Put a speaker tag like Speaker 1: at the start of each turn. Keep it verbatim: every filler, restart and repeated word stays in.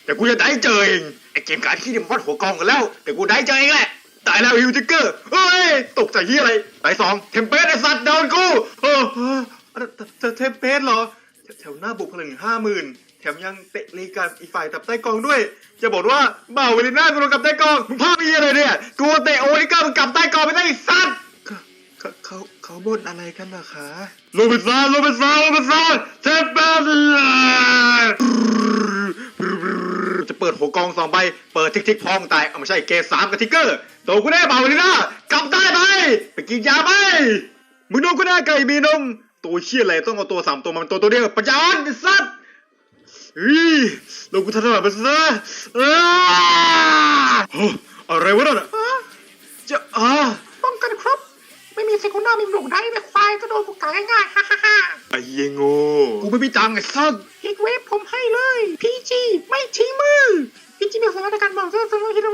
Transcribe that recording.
Speaker 1: แต่กูจะได้เจอเองไอ้เกมการ์ดขี้ดิมวัดหัวกองกันแล้วแต่กูได้เจอเองแหละตายแล้วฮิวทิกเกอร์เฮ้ยตกใจที่อะไรตายสองเทมเพสไอ้สัตว์โดนกูเออเออเทมเพสเหรอแถวหน้าบุกพลังห้าหมื่นแถมยังเตะลีกันอีฝ่ายตับใต้กองด้วยจะบอกว่าบ่าวเวลิน่ากูโดนกับใต้กองมึงพลาดไปอะไรเนี่ยกูเตะโอลิก้ามึงกับใต้กองไม่ได้สัตว์เขาเขาเขาบ่นอะไรกันนะคะโรบินสันโรบินสันโรบินสันเทมเพสจะเปิดหัวกองสองใบเปิดทิกทิกพองตายเอาไม่ใช่เกสามกับทิกเกอร์โตกูแน่บ่าวเวลิน่ากลับได้ไหมไปกินยาไหมมึงโดนกูแน่ไก่มีนมตัวเชี่ยอะไรต้องเอาตัวสามตัวมันตัวตัวเดียวปัญญาอ่อนสัตว์เฮ้ยลงกูทันหลับไปซะอะไรวะนั่นจะอ่า
Speaker 2: ป้องกันครบไม่มีเซกุนดามีหลงได้ไม่ควายก็โดนพวกกาง่ายๆฮ่าฮ่าฮ่า
Speaker 1: ไอ้เยโง่กูไม่มีตังค์ไอ้สัส
Speaker 2: ฮิตเวฟผมให้เลยพีจีไม่ชี้มือพีจีมีสามารถในการบอกเรื่องสมมติฮิโร